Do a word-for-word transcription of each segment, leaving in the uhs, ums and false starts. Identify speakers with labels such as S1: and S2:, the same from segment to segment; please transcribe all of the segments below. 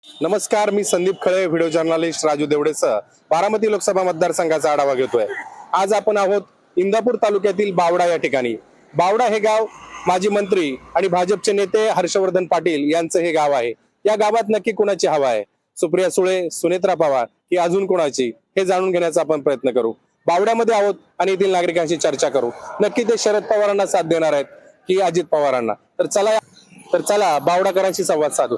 S1: नमस्कार, मी Sandeep Khale, video journalist Raju देवडेसह बारामती लोकसभा मतदारसंघाचा आढावा घेतोय. आज आपण आहोत इंदापूर तालुक्यातील बावडा या ठिकाणी. बावडा हे गाव माजी मंत्री आणि भाजपचे नेते हर्षवर्धन पाटील यांचं हे गाव आहे. या गावात नक्की कोणाची हवा आहे? सुप्रिया सुळे, सुनेत्रा पवार की अजून कोणाची, हे जाणून घेण्याचा आपण प्रयत्न करू. बावड्यामध्ये आहोत आणि येथील नागरिकांशी चर्चा करू. नक्की ते शरद पवारांना साथ देणार आहेत की अजित पवारांना? तर चला तर चला बावडाकरांशी संवाद साधू.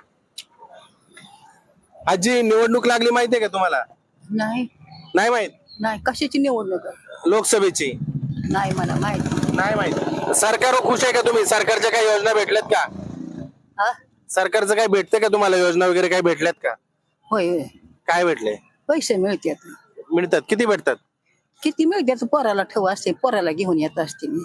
S1: आजी, निवडणूक लागली माहितीये का तुम्हाला?
S2: नाही
S1: नाही माहित?
S2: नाही कशाची निवडणूक आहे?
S1: लोकसभेची
S2: नाही मला माहिती.
S1: नाही माहित. सरकारवर खुश आहे का तुम्ही? सरकारच्या काही योजना भेटल्यात का?
S2: हा
S1: सरकारचं काही भेटतं का तुम्हाला? योजना वगैरे काही भेटल्यात का?
S2: होय होय.
S1: काय भेटले?
S2: पैसे मिळतात.
S1: मिळतात? किती भेटतात?
S2: किती मिळतात? पोराला ठेव असते, पोराला घेऊन येत असते मी.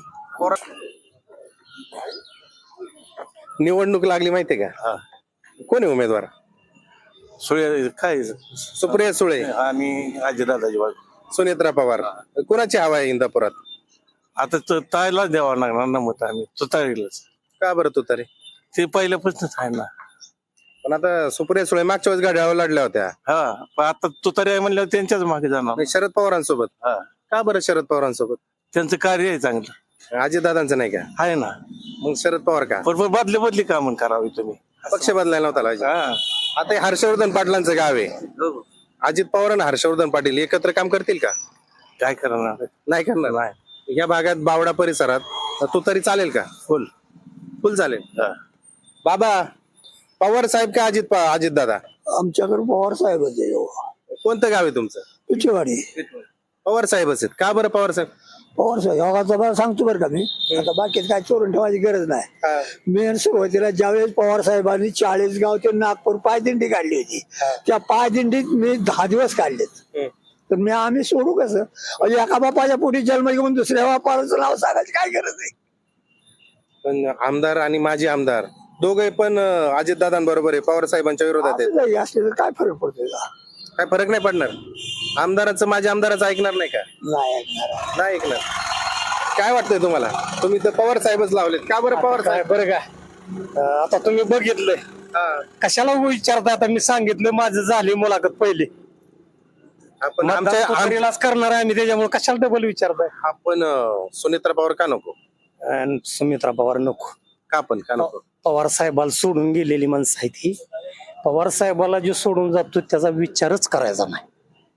S1: निवडणूक लागली माहितीये का? कोण आहे उमेदवार?
S3: सुळे काय
S1: सुप्रिया सुळे
S3: आणि अजितदादाची बाजू.
S1: सुनेत्रा पवार. कोणाची हवा आहे इंदापुरात?
S3: आता तो ताईलाच द्यावा लागणार ना मत, आम्ही तुतारीलाच.
S1: का बरं तू तरी?
S3: ते पहिल्यापासूनच आहे ना.
S1: पण आता सुप्रिया सुळे मागच्या वेळेस गाड्या लढल्या होत्या.
S3: हा पण आता तुतारी आहे म्हणल्यावर त्यांच्याच मागे जाणार.
S1: नाही, शरद पवारांसोबत.
S3: हा
S1: का बरं शरद पवारांसोबत?
S3: त्यांचं कार्य आहे चांगलं.
S1: अजितदादांचं नाही का?
S3: आहे ना.
S1: मग शरद पवार का?
S3: पण पण बदली बदली कामं करावी तुम्ही.
S1: पक्ष बदलायला नव्हता पाहिजे.
S3: हा
S1: आता हे हर्षवर्धन पाटलांचं गाव आहे. अजित पवार आणि हर्षवर्धन पाटील एकत्र काम करतील का?
S3: काय करणार.
S1: नाही करणार.
S3: नाही
S1: या भागात बावडा परिसरात तू तरी चालेल का?
S3: फुल
S1: फुल चालेल.
S3: हा.
S1: बाबा, पवार साहेब का अजित अजित दादा?
S4: आमच्याकडे पवार साहेब
S1: कोणतं गाव आहे तुमचं?
S4: पिचेवाडी.
S1: पवार साहेबच आहेत का? बरं पवार साहेब?
S4: पवार साहेब योगाचा बरं सांगतो बरं का मी. आता बाकीच काय चोरून ठेवायची गरज नाही. मेन सुरुवातीला ज्यावेळेस पवार साहेबांनी चाळीस गाव ते नागपूर पायदिंडी काढली होती, त्या पायदिंडीत मी दहा दिवस काढलेत. तर मी आम्ही सोडू कसं? म्हणजे एका बापाच्या पोटी जन्म घेऊन दुसऱ्या बापाचं नाव सांगायची काय गरज आहे?
S1: पण आमदार आणि माजी आमदार दोघे पण अजित दादांबरोबर आहे, पवार साहेबांच्या विरोधात आहेत.
S4: असं असले तर काय फरक पडतोय का?
S1: काय फरक नाही पडणार? आमदाराचं माझ्या आमदाराचं ऐकणार नाही का?
S4: नाही ऐकणार.
S1: नाही ऐकणार. काय वाटतंय तुम्हाला? तुम्ही तर पवार साहेबच लावलेत. का बरं पवार साहेब?
S5: बरं का, आता तुम्ही बघितलंय,
S1: हा.
S5: कशाला विचारता? आता मी सांगितलं माझं झाली मुलाखत पहिली.
S1: आपण
S5: आमच्या
S1: आमच्या
S5: आमच्यालाच करणार आहे आम्ही, त्याच्यामुळे कशाला डबल विचारताय?
S1: आपण अं, सुनेत्रा पवार का नको?
S5: अन सुमित्रा पवार नको.
S1: का पण का नको?
S5: पवार साहेबाला सोडून गेलेली माणसं आहे ती. पवार साहेबाला जो सोडून जातो त्याचा विचारच करायचा नाही.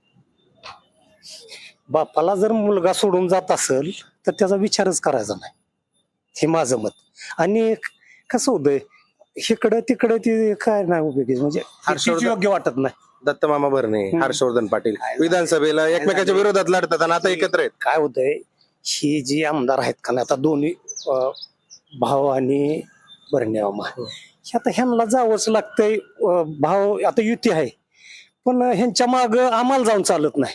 S5: बापाला जर मुलगा सोडून जात असेल तर त्याचा विचारच करायचा नाही, हे माझं मत. आणि कसं होतंय, इकडं तिकडं ती काय नाही उपयोगी, म्हणजे
S1: हर्षवर्धन-
S5: तीच योग्य वाटत नाही.
S1: दत्तमामा भरणे, हर्षवर्धन पाटील विधानसभेला एकमेकाच्या विरोधात लढतात आणि आता एकत्र आहेत.
S5: काय होतंय, ही जी आमदार आहेत का नाही, आता दोन्ही अं, भाव आणि भरण्यामा, आता ह्यांना जावंच लागतंय. अं, भाव आता युती आहे, पण ह्यांच्या माग आम्हाला जाऊन चालत नाही.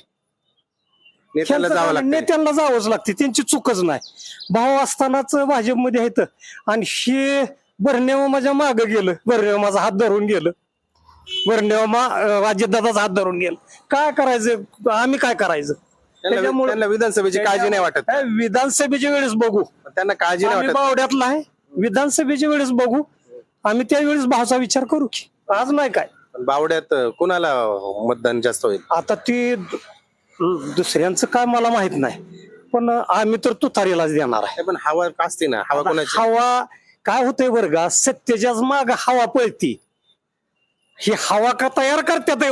S1: नेत्याला
S5: ह्यांचं
S1: जावं
S5: काय,
S1: लागतं.
S5: नेत्यांना जावंच लागते, त्यांची चूकच नाही. भाव असतानाच भाजपमध्ये आहेत आणि हे भरण्यामा माझ्या माग गेलं, भरण्यामा माझा हात धरून गेलं, भरण्यामा अजितदादाचा हात धरून गेलं. काय करायचं आम्ही, काय करायचं?
S1: त्यांना
S5: त्याच्यामुळे
S1: त्यांना विधानसभेची काळजी नाही वाटत.
S5: हे विधानसभेच्या वेळेस बघू.
S1: त्यांना काळजी नाही
S5: आम्ही
S1: वाटत.
S5: बावड्यातला आहे, विधानसभेच्या वेळेस बघू. आम्ही त्यावेळेस भावचा विचार करू की, आज नाही. काय
S1: पण बावड्यात कुणाला मतदान जास्त होईल?
S5: आता ती दु- दुसऱ्यांचं काय मला माहित नाही, पण आम्ही तर तुतारीलाच देणार आहे.
S1: नाही, पण हवा असते ना, हवा कोणाची?
S5: हवा काय होतंय बरं का, सत्तेच्याच माग हवा पळती. ही हवा का तयार करतात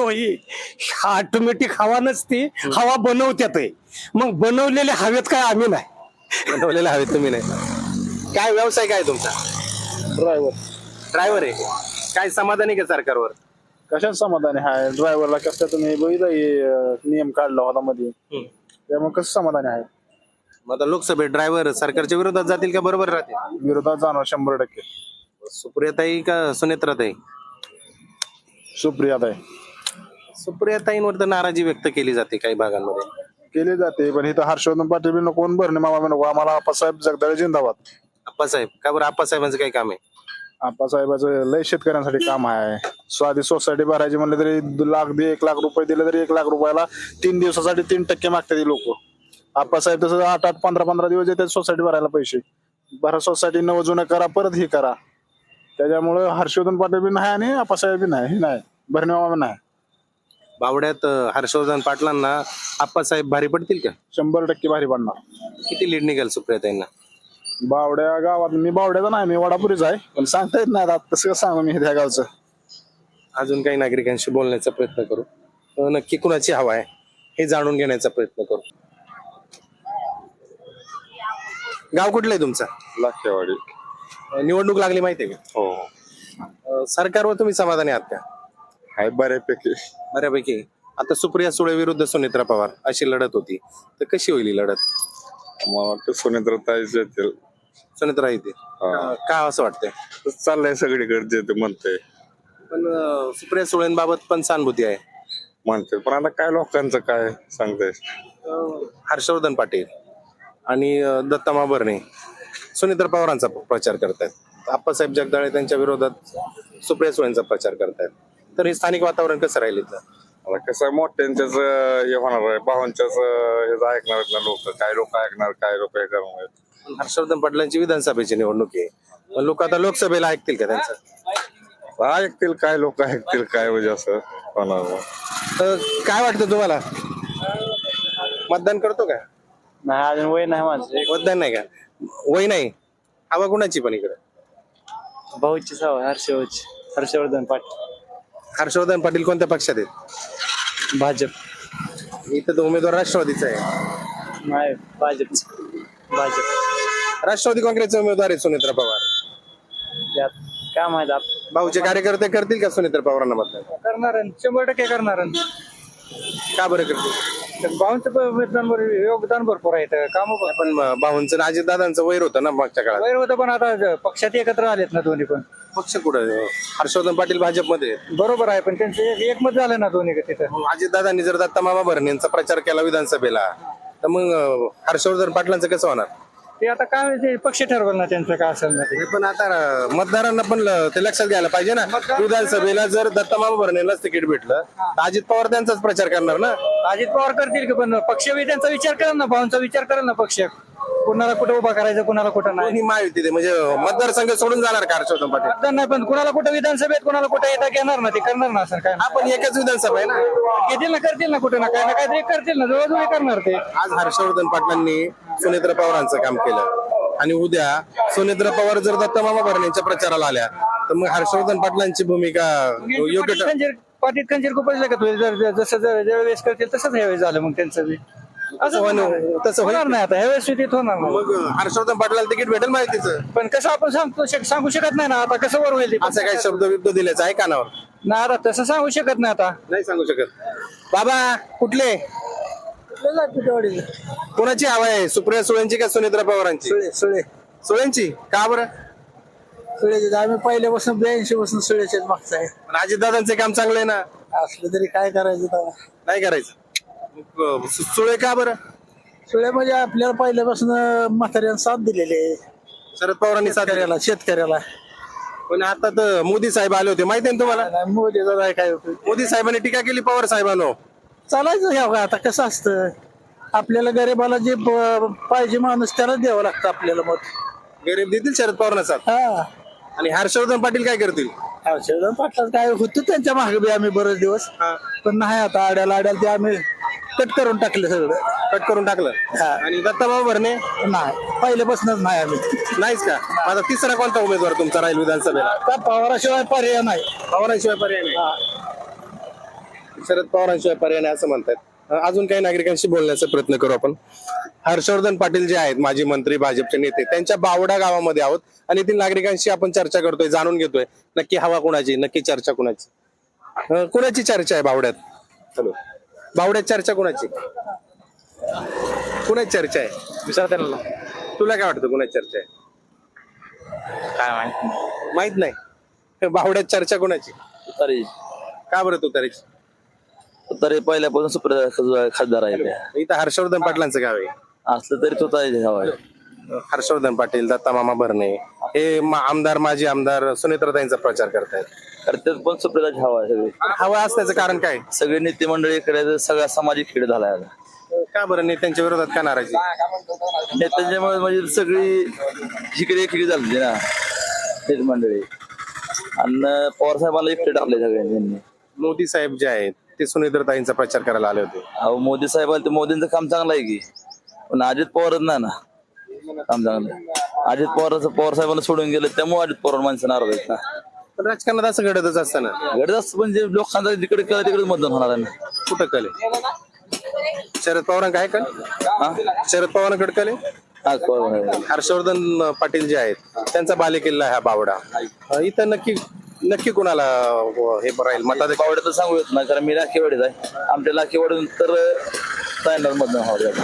S5: ऑटोमॅटिक हवा नसते, हवा बनवत्यात. मग बनवलेल्या हवेत काय आम्ही नाही.
S1: बनवलेले हवे तुम्ही नाही. काय व्यवसाय काय तुमचा?
S6: ड्रायव्हर.
S1: ड्रायव्हर आहे. काय समाधानी का सरकारवर?
S6: कशात समाधान आहे? ड्रायव्हरला कसं तुम्ही बघितलं हे, अं, नियम काढला होता मध्ये, त्यामुळे कसं समाधान आहे?
S1: मग आता लोकसभेत ड्रायव्हर सरकारच्या विरोधात जातील का बरोबर राहतील?
S6: विरोधात जाणार शंभर टक्के.
S1: सुप्रियाताई का सुनेत्राताई?
S6: सुप्रियात आहे.
S1: सुप्रियाताईंवर तर नाराजी व्यक्त केली जाते काही भागांमध्ये.
S6: केली जाते, पण इथं हर्षवर्धन पाटील बी नको, भरणे मामा बी नको, आम्हाला आप्पासाहेब जगदाळे जिंदाबाद.
S1: आप्पासाहेब का बरं? आप्पासाहेबांचं काही काम आहे?
S6: आप्पासाहेबाचं लय शेतकऱ्यांसाठी काम आहे. साधी सोसायटी भरायची म्हणलं तरी लाख दे एक लाख रुपये दिले तरी एक लाख रुपयाला तीन दिवसासाठी तीन टक्के मागतात लोक. आप्पासाहेब तसं आठ आठ पंधरा पंधरा दिवस येतात सोसायटी भरायला पैसे. भरा सोसायटी नव जुनं करा, परत हे करा. त्याच्यामुळं हर्षवर्धन पाटील बी नाही आणि आप्पासाहेब बी नाही हे नाही भरणेमामा बी नाही.
S1: बावड्यात अं, हर्षवर्धन पाटलांना आप्पासाहेब भारी पडतील का?
S6: शंभर टक्के भारी पडणार.
S1: किती लीड निघेल सुप्रियाताईंना?
S6: बावड्या गावात मी बावड्याचा नाही मी वडापुरीच आहे पण सांगता येत नाही आता तसं कसं सांगू मी त्या गावचं.
S1: अजून काही नागरिकांशी बोलण्याचा प्रयत्न करू. अं, नक्की कुणाची हवा आहे हे जाणून घेण्याचा प्रयत्न करू. गाव कुठलं आहे तुमचं?
S7: लाखेवाडी.
S1: अं, निवडणूक लागली माहितीये का?
S7: हो
S1: अं, सरकारवर तुम्ही समाधानी आहात का?
S7: आहे बऱ्यापैकी.
S1: बऱ्यापैकी. आता सुप्रिया सुळे विरुद्ध सुनेत्रा पवार अशी लढत होती, तर कशी होईल ही लढत?
S7: मला वाटतं सुनेत्रताईच येतील.
S1: सुनेत्रा येते
S7: हा.
S1: का असं वाटतंय?
S7: चाललंय सगळीकडे जे ते म्हणते
S1: पण अं, सुप्रिया सुळेंबाबत पण सहानुभूती आहे.
S7: म्हणते पण आता काय लोकांचं काय सांगताय.
S1: अं, हर्षवर्धन पाटील आणि अं, दत्ता भरणे सुनेत्रा पवारांचा प्रचार करतायत. आप्पासाहेब जगदाळे त्यांच्या विरोधात सुप्रिया सुळेंचा प्रचार करतायत. तर हे स्थानिक वातावरण कसं राहील इथलं?
S7: आता कसं आहे, मोठ्यांच्याच अं, हे होणार आहे भावांच्याच अं, हेच ऐकणार आहेत ना लोक. काय लोक ऐकणार काय लोक हे करणार.
S1: पण हर्षवर्धन पाटलांची विधानसभेची निवडणूक आहे, पण लोक आता लोकसभेला ऐकतील का त्यांचं?
S7: ऐकतील काय लोक ऐकतील काय म्हणजे असं होणार.
S1: तर काय वाटतं तुम्हाला? मतदान करतो का?
S8: नाही अजून वय नाही माझं.
S1: मतदान नाही का? वय नाही. हवा कुणाची पण इकडे?
S8: भाऊची सवय हर्षवर्धन हर्षवर्धन पाटील.
S1: हर्षवर्धन पाटील कोणत्या पक्षात आहेत?
S8: भाजप.
S1: इथं तो उमेदवार राष्ट्रवादीचा आहे.
S8: नाही भाजप. भाजप
S1: राष्ट्रवादी काँग्रेसचे उमेदवार आहेत सुनेत्रा पवार.
S8: त्यात काय माहित आप
S1: भाऊचे कार्यकर्ते करतील का सुनेत्रा पवारांना मतदान?
S8: करणार शंभर टक्के करणार.
S1: का बरं करतील?
S8: भाऊंचं मतदान योगदान भरपूर आहे काम
S1: पण भाऊंचं अजित दादांचं वैर होतं ना मागच्या काळात.
S8: वैर होतं पण आता पक्षात एकत्र आलेत ना दोन्ही पण.
S1: पक्ष कुठं? हर्षवर्धन पाटील भाजपमध्ये आहेत.
S8: बरोबर आहे पण त्यांचं एक- एकमत झालं ना दोन्ही तिथं.
S1: अजित दादांनी जर दत्ता मामा भरणेंचा प्रचार केला विधानसभेला, तर मग अं, हर्षवर्धन पाटलांचं कसं होणार?
S8: ते आता काय ते पक्ष ठरवलं ना त्यांचं काय असेल ना ते.
S1: हे पण आता अं, मतदारांना पण ल- ते लक्षात घ्यायला पाहिजे ना. विधानसभेला जर दत्ता मामा भरणेलाच तिकीट भेटलं तर अजित पवार त्यांचाच प्रचार करणार ना.
S8: अजित पवार करतील की पण पक्ष बी त्यांचा विचार करेल ना भाऊंचा विचार करेल ना पक्ष. कुणाला कुठं उभा करायचं कुणाला कुठं नाही.
S1: कोणी महायुती म्हणजे मतदारसंघ सोडून जाणार का हर्षवर्धन पाटील?
S8: मतदान नाही पण कुणाला कुठं विधानसभेत कुणाला कुठं येता घेणार ना ते करणार ना सर काय.
S1: आपण एकच विधानसभा आहे ना.
S8: घेतील ना करतील ना कुठं ना काय ना काहीतरी करतील ना जवळजवळ करणार ते.
S1: आज हर्षवर्धन पाटलांनी सुनेत्रा पवारांचं काम केलं आणि उद्या सुनेत्रा पवार जर दत्ता मामा भरणेंच्या प्रचाराला आल्या तर मग हर्षवर्धन पाटलांची भूमिका योग्य ठ-
S8: खंजीर पाटीत खंजीर खूपच लागत होईल जर जर- जसं जर ज्यावेळेस करतील तसंच ह्यावेळेस झालं मग त्यांचं बी. असं
S1: होणं-
S8: होणार-
S1: तसं होईल.
S8: होणार नाही आता ह्यावेळेस स्थितीत होणार नाही.
S1: मग हर्षवर्धन पाटलाला तिकीट भेटेल माहितीचं.
S8: पण कसं आपण सांगतो शक- सांगू शकत नाही ना आता कसं वर होईल ते.
S1: असं काही शब्द बिब्द दिल्याचं आहे कानावर?
S8: नाही आता तसं सांगू शकत नाही आता.
S1: नाही सांगू शकत. बाबा कुठले? कोणाची हवा आहे, सुप्रिया सुळेंची का सुनेत्रा पवारांची?
S4: सुळे
S1: सुळेंची का बरं?
S4: सुळेचे आम्ही पहिल्यापासून ब्याऐंशी पासून सुळेच्याच मागचा आहे.
S1: पण अजितदादांचे काम चांगलं आहे ना.
S4: असलं तरी काय करायचं तेव्हा.
S1: नाही करायचं. मग, सु- सुळे का बरं?
S4: सुळे म्हणजे आपल्याला पहिल्यापासून म्हाताऱ्यानं साथ दिलेली आहे
S1: शरद पवारांनी साथ दिली.
S4: शेतकऱ्याला शेतकऱ्याला.
S1: पण आता तर मोदी साहेब आले होते माहिती आहे ना तुम्हाला?
S4: नाही, मोदीचा नाही काय उपयोग.
S1: मोदी साहेबांनी टीका केली पवार साहेबांनो.
S4: चालायचं ह्या आता कसं असतं आपल्याला गरीबाला जे ब- पाहिजे माणूस त्याला द्यावं लागतं आपल्याला मत.
S1: गरीब देतील शरद पवारांना साथ.
S4: हा
S1: आणि हर्षवर्धन पाटील काय करतील?
S4: हर्षवर्धन पाटलाच काय होतं त्यांच्या मागे बी आम्ही बरेच दिवस
S1: हा.
S4: पण नाही आता आड्याला आड्याला ते आम्ही कट करून टाकलं सगळं.
S1: कट करून टाकलं.
S4: हा.
S1: आणि दत्ताबाबा भरणे
S4: नाही पहिल्यापासूनच नाही आम्ही.
S1: नाहीच का? आता तिसरा कोणता उमेदवार तुमचा राहील विधानसभेला?
S4: त्या पवाराशिवाय पर्याय नाही.
S1: पवारांशिवाय पर्याय नाही. शरद पवारांशिवाय पर्याय नाही असं म्हणतात. अजून काही नागरिकांशी बोलण्याचा प्रयत्न करू आपण. हर्षवर्धन पाटील जे आहेत माजी मंत्री भाजपचे नेते, त्यांच्या बावडा गावामध्ये आहोत आणि येथील नागरिकांशी आपण चर्चा करतोय, जाणून घेतोय नक्की हवा कुणाची, नक्की चर्चा कुणाची. अं, कुणाची चर्चा आहे बावड्यात? हॅलो, बावड्यात चर्चा कुणाची? कुणाची चर्चा आहे?
S8: विचार त्यांना
S1: तुला काय वाटतं कुणाची चर्चा आहे?
S8: काय माहिती.
S1: माहित नाही. बावड्यात चर्चा कुणाची?
S9: तरी
S1: का बरं तू तरीच?
S9: तरी पहिल्यापासून सुप्रिया खासदार आहे त्या.
S1: इथं हर्षवर्धन पाटलांचं गाव आहे.
S9: असलं तरी तो हवा आहे.
S1: हर्षवर्धन पाटील, दत्ता मामा भरणे हे मा- आमदार माजी आमदार सुनेत्राताईंचा प्रचार करतायत.
S9: करतात पण सुप्रियाची हवा आहे सगळी.
S1: हवा असण्याचं कारण काय?
S9: सगळे नेते मंडळी इकडे सगळा सामाजिक खेळ झालाय आता.
S1: का बरं नेत्यांच्या विरोधात का नाराजी?
S9: नेत्यांच्यामुळे म्हणजे सगळी इकडे इकडे झाली ना नेते मंडळी. आणि पवार साहेबांना एकटे टाकले सगळ्यांनी यांनी.
S1: मोदी साहेब जे आहेत ते सुनेत्रताईंचा प्रचार करायला आले होते.
S9: अहो मोदी साहेब ते मोदींचं काम चांगलं आहे की, पण अजित पवारच नाही ना काम चांगलं. अजित पवारचं पवार साहेबांना सोडून गेलं त्यामुळे अजित पवार माणसं नाराज आहेत ना.
S1: पण राजकारणात असं घडतच असतं ना.
S9: गरज असतं म्हणजे लोकांचा जिकडे कळ तिकडे मतदान होणार आहे ना.
S1: कुठं कले शरद पवारांना काय कल
S9: हा?
S1: शरद पवारांकडे कले
S9: हा, पवार आहे.
S1: हर्षवर्धन पाटील जे आहेत त्यांचा बालेकिल्ला आहे हा बावडा. इथं नक्की नक्की कोणाला हे राहील मतात?
S9: बावड्या तर सांगू येत नाही कारण मी लाखेवाडीत आहे. आमच्या लाखेवाडीतून तर ताईंनाच मतदान व्हावं.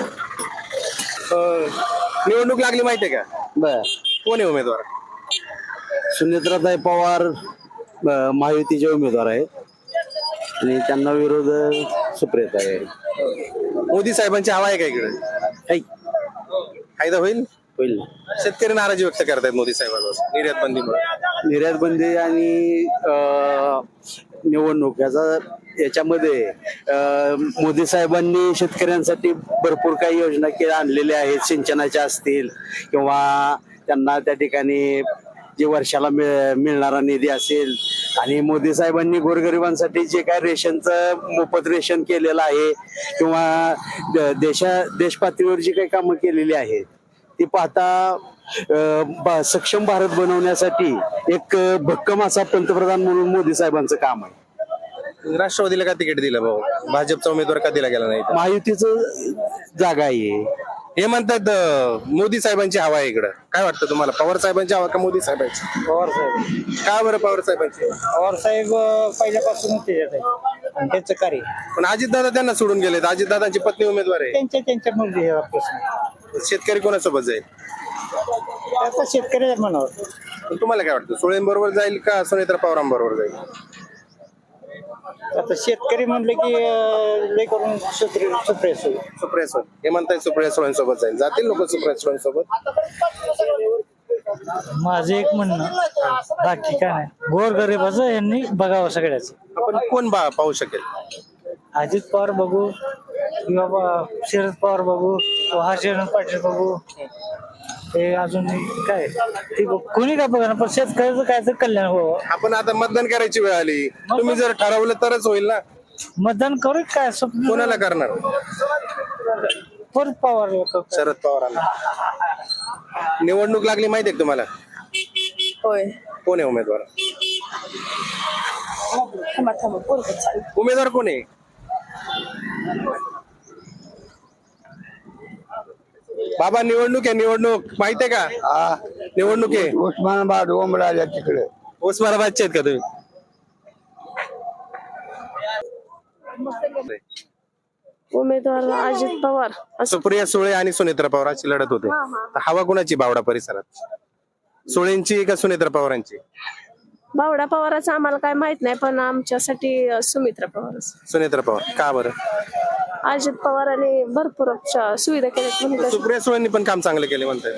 S1: निवडणूक लागली माहितीये का?
S5: बर
S1: कोण आहे उमेदवार?
S5: सुनेत्राताई पवार अ, महायुतीचे उमेदवार आहेत आणि त्यांना विरोध सुप्रियाताई आहे.
S1: मोदी साहेबांची हवा आहे का इकडे?
S5: ऐक,
S1: फायदा होईल?
S5: होईल
S1: शेतकरी नाराजी व्यक्त करतायत मोदी साहेबांवर निर्यात बंदीमुळे.
S5: निर्यात बंदी आणि अ, निवडणूक याचा याच्यामध्ये अ, मोदी साहेबांनी शेतकऱ्यांसाठी भरपूर काही योजना के आणलेल्या आहेत. सिंचनाच्या असतील किंवा त्यांना त्या ठिकाणी जे वर्षाला मिळ मिळणारा निधी असेल आणि मोदी साहेबांनी गोरगरिबांसाठी जे काय रेशनचं मोफत रेशन केलेलं आहे किंवा द- देशा देश पातळीवर जी काही कामं केलेली आहेत ती पाहता अं, बा- सक्षम भारत बनवण्यासाठी एक अं, भक्कम असा पंतप्रधान म्हणून मोदी साहेबांचं काम आहे.
S1: राष्ट्रवादीला का तिकीट दिलं भाऊ? भाजपचा उमेदवार का दिला गेला नाही?
S5: महायुतीचं जागा आहे.
S1: हे म्हणतात अं, मोदी साहेबांची हवा आहे इकडं. काय वाटतं तुम्हाला? पवार साहेबांची हवा का मोदी साहेबांची?
S8: पवार साहेब
S1: का बरं पवार साहेबांची?
S8: पवार साहेब पहिल्यापासून त्याच्यात आहे आणि त्यांचं कार्य
S1: पण अजितदादा त्यांना सोडून गेलेत. अजितदादांची पत्नी उमेदवार आहे.
S8: त्यांच्या त्यांच्या मध्ये हा प्रश्न.
S1: शेतकरी कोणासोबत जाईल?
S8: आता शेतकऱ्याच्या मनावर.
S1: पण तुम्हाला काय वाटतं? सुळेंबरोबर जाईल का सुनेत्रा पवारांबरोबर जाईल?
S8: आता शेतकरी म्हणलं की अं, लय करून सुप्रिया सुप्रिया सुळे.
S1: सुप्रिया सुळे हे म्हणताय सुप्रिया सुळेंसोबत जाईल. जातील लोक सुप्रिया सुळेंसोबत?
S8: माझं एक म्हणणं बाकी काय नाही. गोरगरिबाचं यांनी बघावं सगळ्याच.
S1: आपण कोण बा पाहू शकेल?
S8: अजित पवार बघू किंवा बा- शरद पवार बघू किंवा हर्षवर्धन पाटील बघू. हे अजून काय ते बघ- कोणी काय बघा पण शेतकऱ्याचं काय तर कल्याण हो.
S1: आपण आता मतदान करायची वेळ आली. तुम्ही जर ठरवलं तरच होईल ना.
S8: मतदान करू काय स्वप्न
S1: कोणाला करणार?
S8: परत पवार
S1: शरद पवारांना. निवडणूक लागली माहितीये का तुम्हाला?
S2: होय.
S1: कोण आहे उमेदवार?
S2: थांबा थांबा पोरगं चालू.
S1: उमेदवार कोण आहे? बाबा निवडणूक आहे. निवडणूक माहितीये का? निवडणूक आहे.
S4: उस्मानाबाद ओमराजा तिकडे
S1: उस्मानाबादचे आहेत का तुम्ही?
S10: उमेदवार अजित पवार.
S1: सुप्रिया सुळे आणि सुनेत्रा पवार अशी लढत होते. तर हवा कुणाची बावडा परिसरात? सुळेंची का सुनेत्रा पवारांची?
S10: बावडा पवाराचं आम्हाला काय माहित नाही पण आमच्यासाठी अं, सुमित्रा पवार.
S1: सुनेत्रा पवार का बरं?
S10: अजित पवारांनी भरपूर अशा सुविधा केल्यात म्हणजे
S1: सुप्रिया सुळेंनी पण काम चांगलं केले म्हणताय.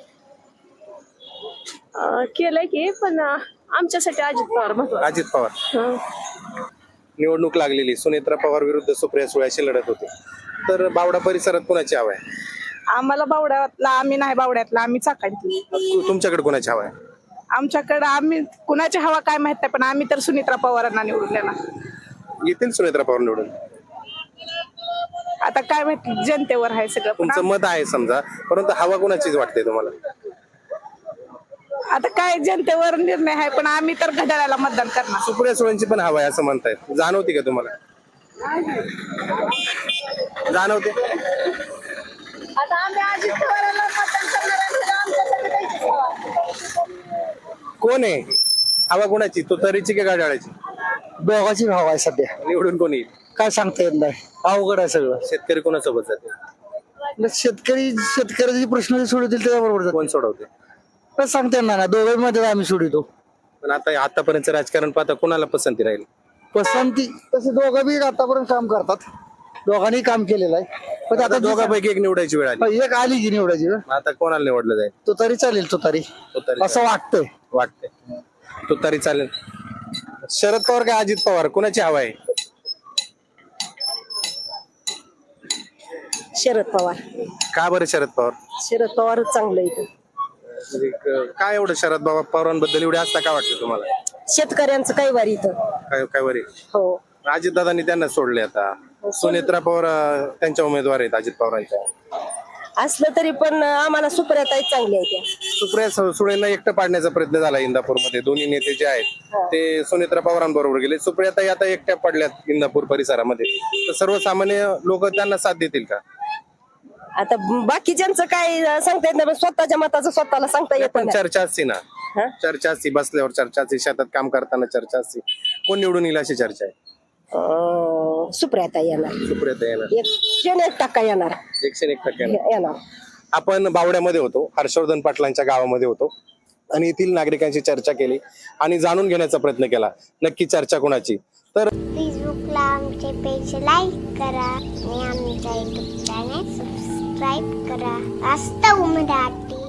S10: अं, केलंय की पण अं, आमच्यासाठी अजित पवार महत्वाचं.
S1: अजित पवार.
S10: हं.
S1: निवडणूक लागलेली. सुनेत्रा पवार विरुद्ध सुप्रिया सुळे अशी लढत होते. तर बावडा परिसरात कुणाची हवा आहे?
S2: आम्हाला बावड्यातला आम्ही नाही बावड्यातला आम्ही चाकाडली.
S1: तु- तुमच्याकडे कोणाची हवा आहे?
S2: आमच्याकडे आम्ही कुणाची हवा काय माहित नाही पण आम्ही तर सुनित्रा पवारांना निवडून देणार.
S1: येतील सुनेत्रा पवार निवडून?
S2: आता काय माहिती जनतेवर आहे सगळं पण
S1: तुमचं मत आहे समजा, परंतु हवा कुणाचीच वाटते तुम्हाला?
S2: आता काय जनतेवर निर्णय आहे पण आम्ही तर घड्याळाला मतदान करणार.
S1: सुप्रिया सुळेंची पण हवा आहे असं म्हणतायत. जाणवते का तुम्हाला? जाणवते?
S10: आता आम्ही अजित पवारांना मतदान करणार
S1: कोण आहे हवा कुणाची? तुतारीची की गाड्याची?
S5: दोघांची भाव आहे सध्या.
S1: निवडून कोणी येईल?
S5: काय सांगता येत नाही. अवघड आहे सगळं.
S1: शेतकरी कोणासोबत जाते?
S5: शेतकरी शेतकऱ्याचे प्रश्न सोडवतील त्याच्याबरोबर
S1: कोण सोडवते?
S5: काय सांगता येणार नाही. दोघांमध्ये आम्ही सोडवतो.
S1: पण आता आतापर्यंत राजकारण पाहता कोणाला पसंती राहील?
S5: पसंती तसे दोघं बी आतापर्यंत काम करतात. दोघांनी काम केलेलं आहे पण
S1: आता
S5: आता
S1: दोघांपैकी एक निवडायची वेळ आली.
S5: एक आली की निवडायची वेळ.
S1: आता कोणाला निवडलं जाईल?
S5: तो तरी चालेल. तो तरी
S1: तुतारी
S5: असं वाटतंय.
S1: वाटतंय तुतारी चालेल. शरद पवार का अजित पवार कुणाची हवा आहे?
S10: शरद पवार.
S1: का बरं शरद पवार?
S10: शरद पवारच चांगलं इथं.
S1: म्हणजे क- काय एवढं शरद बाबा पवारांबद्दल एवढे असता का वाटतं तुम्हाला?
S11: शेतकऱ्यांचं काही वारी इथं
S1: काय काय वरी
S11: हो
S1: अजितदादांनी त्यांना सोडले आता सुनेत्रा पवार अं, त्यांच्या उमेदवार आहेत अजित पवारांच्या.
S11: असलं तरी पण आम्हाला सुप्रियाताई चांगली आहे त्या
S1: सुप्रिया सु- सुळेंना एकटं पाडण्याचा प्रयत्न झाला इंदापूरमध्ये. दोन्ही नेते जे आहेत ते सुनेत्रा पवारांबरोबर गेले. सुप्रियाताई आता एकट्या पडल्यात इंदापूर परिसरामध्ये. तर सर्वसामान्य लोक त्यांना साथ देतील का?
S11: आता बाकीच्यांचं काय सांगता येत नाही पण स्वतःच्या मताचं स्वतःला सांगता येत
S1: पण
S11: नाही
S1: चर्चा असते ना,
S11: हा?
S1: चर्चा असते, बसल्यावर चर्चा असते, शेतात काम करताना चर्चा असते. कोण निवडून येईल अशी चर्चा आहे?
S11: अं, सुप्रियाताई येणार
S1: सुप्रियाताई येणार.
S11: एकशे एक टक्का येणार
S1: एकशे एक टक्के येणार.
S11: येणार
S1: आपण बावड्यामध्ये होतो, हर्षवर्धन पाटलांच्या गावामध्ये होतो आणि येथील नागरिकांशी चर्चा केली आणि जाणून घेण्याचा प्रयत्न केला नक्की चर्चा कोणाची. तर
S12: फेसबुकला आमचे पेज लाईक करा आणि आमच्या युट्यूब चॅनेल सबस्क्राईब करा. वास्तव मराठी.